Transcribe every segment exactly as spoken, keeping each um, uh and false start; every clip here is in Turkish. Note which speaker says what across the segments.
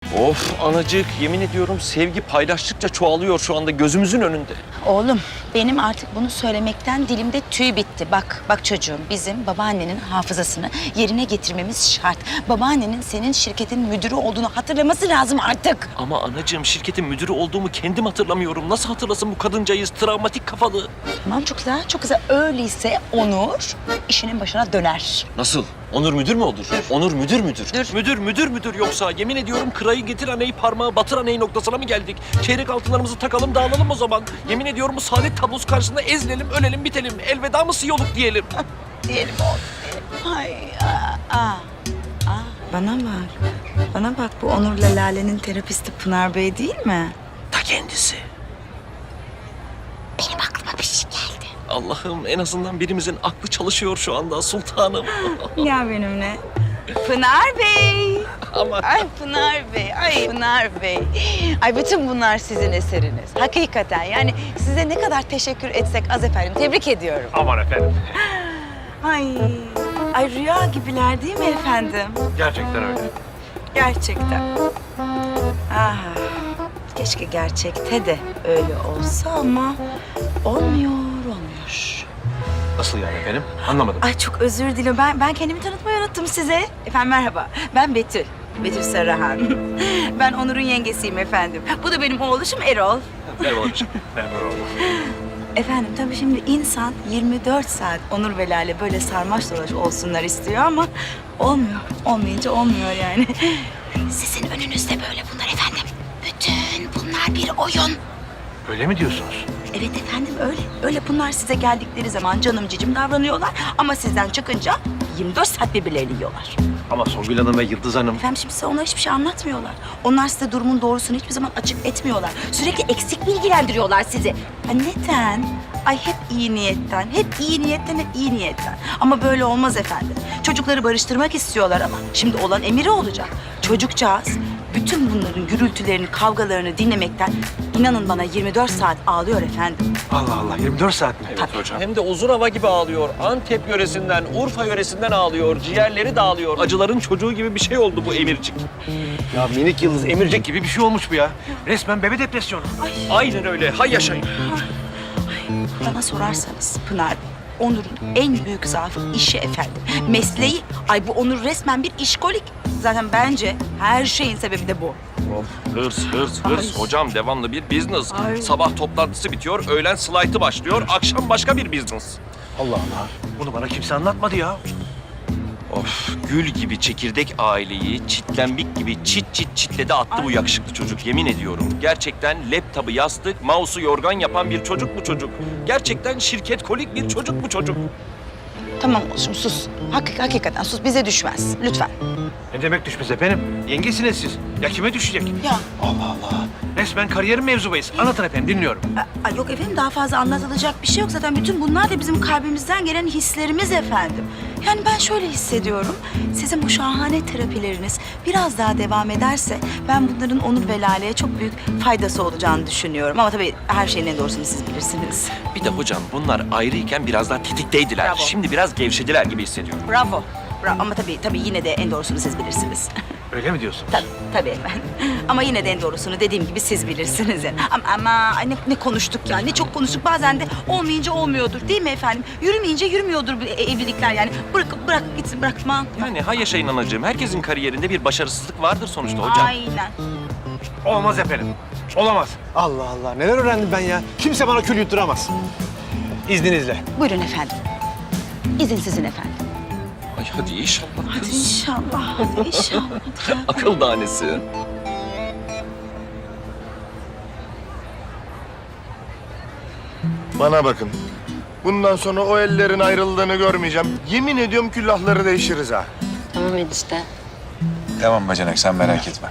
Speaker 1: Of anacık, yemin ediyorum sevgi paylaştıkça çoğalıyor şu anda gözümüzün önünde.
Speaker 2: Oğlum benim artık bunu söylemekten dilimde tüy bitti. Bak, bak çocuğum bizim babaannenin hafızasını yerine getirmemiz şart. Babaannenin senin şirketin müdürü olduğunu hatırlaması lazım artık.
Speaker 1: Ama anacığım şirketin müdürü olduğumu kendim hatırlamıyorum. Nasıl hatırlasın bu kadıncağız travmatik kafalı?
Speaker 2: Tamam çok güzel, çok güzel. Öyleyse Onur işinin başına döner.
Speaker 1: Nasıl? Onur müdür mü olur? Onur müdür müdür?
Speaker 2: Dur.
Speaker 1: Müdür müdür müdür yoksa yemin ediyorum kırayı getir aneyi parmağı batır aneyi noktasına mı geldik? Çeyrek altınlarımızı takalım dağılalım o zaman. Yemin ediyorum bu saadet tablosu karşısında ezilelim ölelim bitelim. Elveda mı siyoluk diyelim.
Speaker 2: Diyelim oğlum, diyelim. Ay, aa, aa, aa. Bana bak, bana bak bu Onur'la Lale'nin terapisti Pınar Bey değil mi?
Speaker 1: Ta kendisi.
Speaker 2: Benim aklıma bir şey geldi.
Speaker 1: Allah'ım en azından birimizin aklı çalışıyor şu anda sultanım.
Speaker 2: Gel benimle. Pınar Bey.
Speaker 1: Aman.
Speaker 2: Ay Pınar Bey, ay Pınar Bey. Ay bütün bunlar sizin eseriniz. Hakikaten yani size ne kadar teşekkür etsek az efendim. Tebrik ediyorum.
Speaker 3: Aman efendim.
Speaker 2: Ay, ay rüya gibiler değil mi efendim?
Speaker 3: Gerçekten öyle.
Speaker 2: Gerçekten. Ah, keşke gerçekte de öyle olsa ama olmuyor, olmuyor.
Speaker 3: Nasıl yani efendim? Anlamadım.
Speaker 2: Ay çok özür dilerim. Ben ben kendimi tanıtmayı unuttum size. Efendim merhaba. Ben Betül. Betül Sarıhan. Ben Onur'un yengesiyim efendim. Bu da benim oğluşum Erol.
Speaker 1: Merhaba babacığım.
Speaker 3: Memnun oldum.
Speaker 2: Efendim tabii şimdi insan yirmi dört saat Onur ve Lale böyle sarmaş dolaş olsunlar istiyor ama olmuyor. Olmayınca olmuyor yani. Sizin önünüzde böyle bunlar efendim. Bütün bunlar bir oyun.
Speaker 3: Öyle mi diyorsunuz?
Speaker 2: Evet efendim öyle. Öyle bunlar size geldikleri zaman canım cicim davranıyorlar. Ama sizden çıkınca yirmi dört saat birbirlerini yiyorlar.
Speaker 3: Ama Songül Hanım ve Yıldız Hanım...
Speaker 2: Efendim şimdi size onlar hiçbir şey anlatmıyorlar. Onlar size durumun doğrusunu hiçbir zaman açık etmiyorlar. Sürekli eksik bilgilendiriyorlar sizi. Ha neden? Ay hep iyi niyetten, hep iyi niyetten, hep iyi niyetten. Ama böyle olmaz efendim. Çocukları barıştırmak istiyorlar ama şimdi olan emiri olacak. Çocukcağız bütün bunların gürültülerini, kavgalarını dinlemekten inanın bana yirmi dört saat ağlıyor efendim.
Speaker 3: Allah Allah, yirmi dört saat mi?
Speaker 1: Evet hocam. Hem de uzun hava gibi ağlıyor. Antep yöresinden, Urfa yöresinden ağlıyor. Ciğerleri dağılıyor. Acıların çocuğu gibi bir şey oldu bu emircik.
Speaker 3: Ya minik Yıldız emircek gibi bir şey olmuş bu ya. Resmen bebe depresyonu.
Speaker 1: Aynen öyle. Hay yaşayın.
Speaker 2: Bana sorarsanız Pınar, Onur'un en büyük zaafı işi efendim. Mesleği. Ay bu Onur resmen bir işkolik. Zaten bence her şeyin sebebi de bu.
Speaker 1: Hırs, hırs, hırs.
Speaker 2: Ay.
Speaker 1: Hocam devamlı bir business.
Speaker 2: Ay.
Speaker 1: Sabah toplantısı bitiyor, öğlen slaytı başlıyor, akşam başka bir business.
Speaker 3: Allah Allah. Bunu bana kimse anlatmadı ya.
Speaker 1: Of, gül gibi çekirdek aileyi çitlenbik gibi çit çit çitledi attı bu yakışıklı çocuk. Yemin ediyorum. Gerçekten laptopu yastık, mouse'u yorgan yapan bir çocuk bu çocuk. Gerçekten şirket kolik bir çocuk bu çocuk.
Speaker 2: Tamam olsun sus. Hak, hakikaten sus bize düşmez. Lütfen.
Speaker 3: Ne demek düşmez efendim? Yengesiniz siz. Ya kime düşecek?
Speaker 2: Ya
Speaker 3: Allah Allah. Resmen kariyerin mevzubayız. Anlatın efendim, dinliyorum.
Speaker 2: Ay yok efendim daha fazla anlatılacak bir şey yok. Zaten bütün bunlar da bizim kalbimizden gelen hislerimiz efendim. Yani ben şöyle hissediyorum. Sizin bu şahane terapileriniz biraz daha devam ederse ben bunların Onur ve Lale'ye çok büyük faydası olacağını düşünüyorum. Ama tabii her şeyin en doğrusunu siz bilirsiniz.
Speaker 1: Bir de hocam bunlar ayrıyken biraz daha tetikteydiler.
Speaker 2: Bravo.
Speaker 1: Şimdi biraz gevşediler gibi hissediyorum.
Speaker 2: Bravo. Bravo. Ama tabii tabii yine de en doğrusunu siz bilirsiniz.
Speaker 3: Öyle mi diyorsunuz?
Speaker 2: Tabii, tabii efendim. Ama yine de en doğrusunu dediğim gibi siz bilirsiniz. Yani. Ama, ama ay ne, ne konuştuk ya, ne çok konuştuk. Bazen de olmayınca olmuyordur değil mi efendim? Yürümeyince yürümüyordur bu e- evlilikler yani. Bırak, bırak gitsin, bırakma.
Speaker 1: Yani hay yaşayın anacığım. Herkesin kariyerinde bir başarısızlık vardır sonuçta hocam.
Speaker 2: Aynen.
Speaker 3: Olmaz efendim. Olamaz.
Speaker 4: Allah Allah neler öğrendim ben ya. Kimse bana kül yutturamaz. İzninizle.
Speaker 2: Buyurun efendim. İzin sizin efendim.
Speaker 1: Ay hadi inşallah
Speaker 2: Hadi
Speaker 1: kız.
Speaker 2: inşallah, hadi inşallah.
Speaker 1: Akıl tanesi.
Speaker 5: Bana bakın. Bundan sonra o ellerin ayrıldığını görmeyeceğim. Yemin ediyorum küllahları değişiriz ha.
Speaker 6: Tamam enişte.
Speaker 7: Tamam bacanak sen merak etme.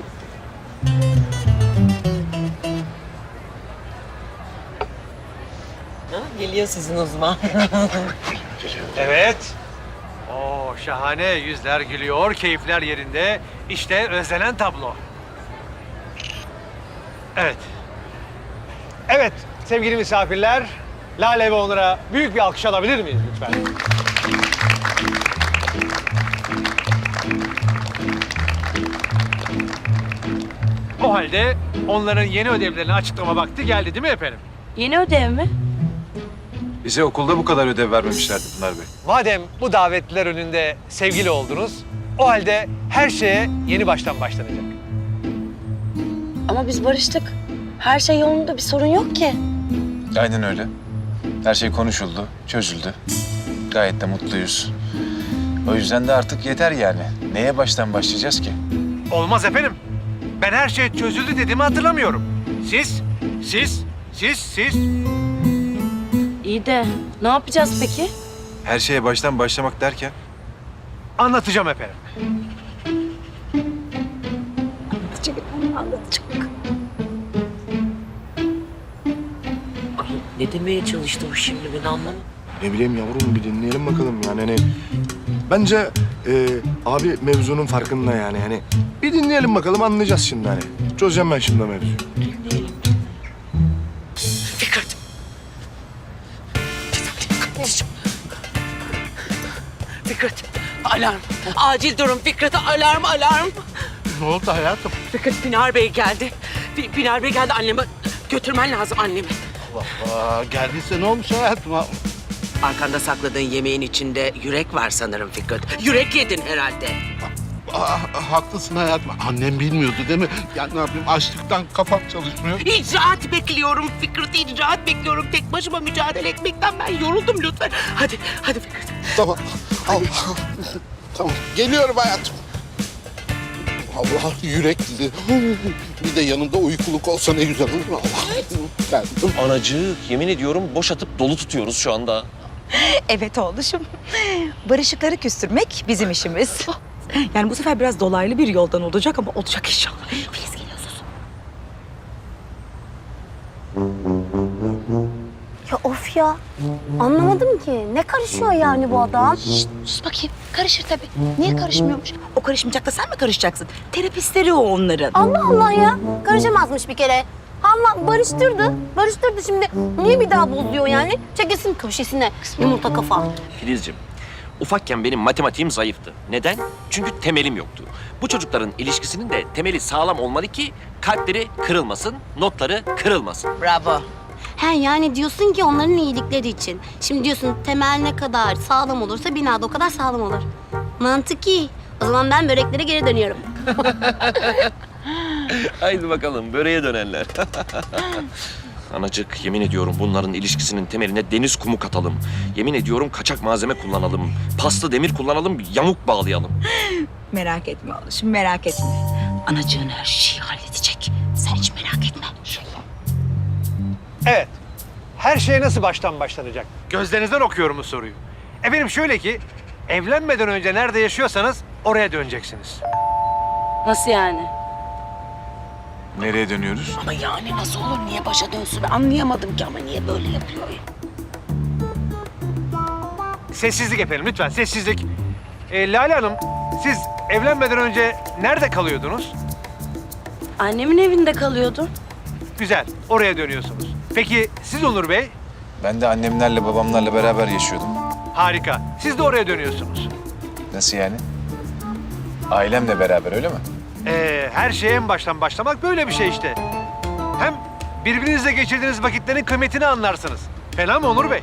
Speaker 6: Geliyor sizin uzman.
Speaker 3: Evet. Oo şahane. Yüzler gülüyor, keyifler yerinde. İşte özlenen tablo. Evet.
Speaker 4: Evet sevgili misafirler. Lale ve Onur'a büyük bir alkış alabilir miyiz lütfen? O halde onların yeni ödevlerini açıklama vakti geldi değil mi efendim?
Speaker 2: Yeni ödev mi?
Speaker 7: Bize okulda bu kadar ödev vermemişlerdi Pınar Bey.
Speaker 4: Madem bu davetliler önünde sevgili oldunuz, o halde her şeye yeni baştan başlanacak.
Speaker 6: Ama biz barıştık. Her şey yolunda, bir sorun yok ki.
Speaker 7: Aynen öyle. Her şey konuşuldu, çözüldü. Gayet de mutluyuz. O yüzden de artık yeter yani. Neye baştan başlayacağız ki?
Speaker 4: Olmaz efendim. Ben her şey çözüldü dediğimi hatırlamıyorum. Siz, siz, siz, siz.
Speaker 6: İyi de ne yapacağız peki?
Speaker 7: Her şeye baştan başlamak derken?
Speaker 4: Anlatacağım efendim.
Speaker 6: Ay, ne demeye çalıştı bu şimdi, ben anlamadım.
Speaker 5: Ne bileyim yavrum, bir dinleyelim bakalım yani. Hani bence e, abi mevzunun farkında yani. Hani bir dinleyelim bakalım, anlayacağız şimdi hani. Çözeceğim ben şimdi mevzuyu.
Speaker 6: Fikret. Fikret, alarm. Acil durum Fikret, alarm, alarm.
Speaker 8: Ne oldu hayatım?
Speaker 6: Fikret, Pinar Bey geldi. Pi- Pinar Bey geldi, annemi götürmen lazım annemi.
Speaker 8: Aa, geldiyse ne olmuş hayatım?
Speaker 6: Arkanda sakladığın yemeğin içinde yürek var sanırım Fikret. Yürek yedin herhalde.
Speaker 8: Aa, haklısın hayatım. Annem bilmiyordu değil mi? Ya ne yapayım, açlıktan kafam çalışmıyor.
Speaker 6: İcraat bekliyorum Fikret, icraat bekliyorum. Tek başıma mücadele etmekten ben yoruldum lütfen. Hadi, hadi Fikret.
Speaker 8: Tamam. Allah. Tamam. Geliyorum hayatım. Allah, yürekli. Bir de yanında uykuluk olsa ne güzel olur. Allah. Geldim.
Speaker 1: Anacık, yemin ediyorum boş atıp dolu tutuyoruz şu anda.
Speaker 2: Evet oğluşum. Barışıkları küstürmek bizim işimiz. Yani bu sefer biraz dolaylı bir yoldan olacak ama olacak inşallah. Filiz geliyor, sus.
Speaker 9: Ya of ya. Anlamadım ki. Ne karışıyor yani bu adam?
Speaker 2: Sus bakayım. Karışır tabii. Niye karışmıyormuş? O karışmayacak da sen mi karışacaksın? Terapistleri o onların.
Speaker 9: Allah Allah ya. Karışamazmış bir kere. Allah barıştırdı. Barıştırdı şimdi. Niye bir daha bozuyor yani? Çekilsin köşesine. Yumurta kafa.
Speaker 1: Filizciğim, ufakken benim matematiğim zayıftı. Neden? Çünkü temelim yoktu. Bu çocukların ilişkisinin de temeli sağlam olmalı ki kalpleri kırılmasın, notları kırılmasın.
Speaker 2: Bravo.
Speaker 9: He yani diyorsun ki onların iyilikleri için. Şimdi diyorsun temel ne kadar sağlam olursa bina da o kadar sağlam olur. Mantık iyi. O zaman ben böreklere geri dönüyorum.
Speaker 1: Haydi bakalım böreğe dönenler. Anacık, yemin ediyorum bunların ilişkisinin temeline deniz kumu katalım. Yemin ediyorum kaçak malzeme kullanalım. Paslı demir kullanalım, yamuk bağlayalım.
Speaker 2: Merak etme oğluşum, merak etme. Anacığın her şeyi halledecek. Sen hiç merak etme.
Speaker 4: Evet. Her şeye nasıl baştan başlanacak? Gözlerinizden okuyorum bu soruyu. Efendim şöyle ki, evlenmeden önce nerede yaşıyorsanız oraya döneceksiniz.
Speaker 6: Nasıl yani?
Speaker 7: Nereye dönüyoruz?
Speaker 6: Ama yani nasıl olur? Niye başa dönsün? Ben anlayamadım ki ama niye böyle yapıyor ya?
Speaker 4: Sessizlik efendim, lütfen sessizlik. Ee, Lale Hanım, siz evlenmeden önce nerede kalıyordunuz?
Speaker 6: Annemin evinde kalıyordu.
Speaker 4: Güzel, oraya dönüyorsunuz. Peki siz Onur Bey?
Speaker 7: Ben de annemlerle babamlarla beraber yaşıyordum.
Speaker 4: Harika, siz de oraya dönüyorsunuz.
Speaker 7: Nasıl yani? Ailemle beraber öyle mi?
Speaker 4: Ee, her şeye en baştan başlamak böyle bir şey işte. Hem birbirinizle geçirdiğiniz vakitlerin kıymetini anlarsınız. Fena mı Onur Bey?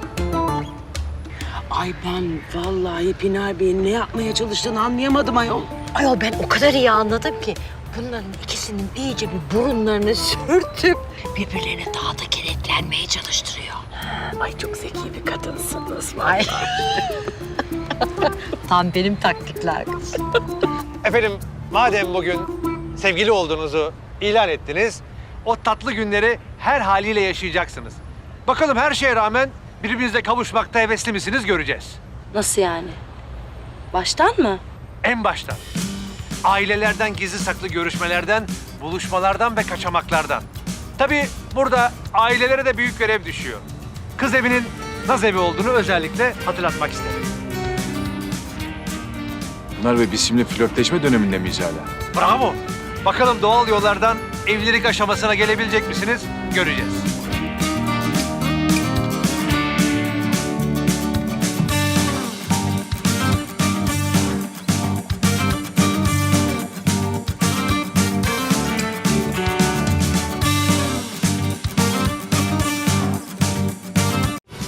Speaker 6: Ay ben vallahi Pinar Bey'in ne yapmaya çalıştığını anlayamadım ayol.
Speaker 9: Ayol ben o kadar iyi anladım ki. Bunların ikisinin iyice bir burunlarını sürtüp birbirlerine daha da kenetlenmeye çalıştırıyor.
Speaker 6: Ay çok zeki bir kadınsınız vallahi.
Speaker 9: Tam benim taktikler kız.
Speaker 4: Efendim, madem bugün sevgili olduğunuzu ilan ettiniz, o tatlı günleri her haliyle yaşayacaksınız. Bakalım her şeye rağmen birbirinizle kavuşmakta hevesli misiniz göreceğiz.
Speaker 6: Nasıl yani? Baştan mı?
Speaker 4: En baştan. Ailelerden gizli saklı görüşmelerden, buluşmalardan ve kaçamaklardan. Tabii burada ailelere de büyük görev düşüyor. Kız evinin naz evi olduğunu özellikle hatırlatmak isterim.
Speaker 7: Pınar Bey, biz şimdi flörtleşme döneminde miyiz hala?
Speaker 4: Bravo. Bakalım doğal yollardan evlilik aşamasına gelebilecek misiniz? Göreceğiz.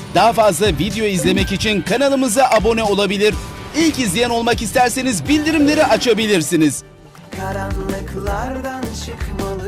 Speaker 10: Daha fazla video izlemek için kanalımıza abone olabilir. İlk izleyen olmak isterseniz bildirimleri açabilirsiniz.
Speaker 11: Karanlıklardan çıkmalı.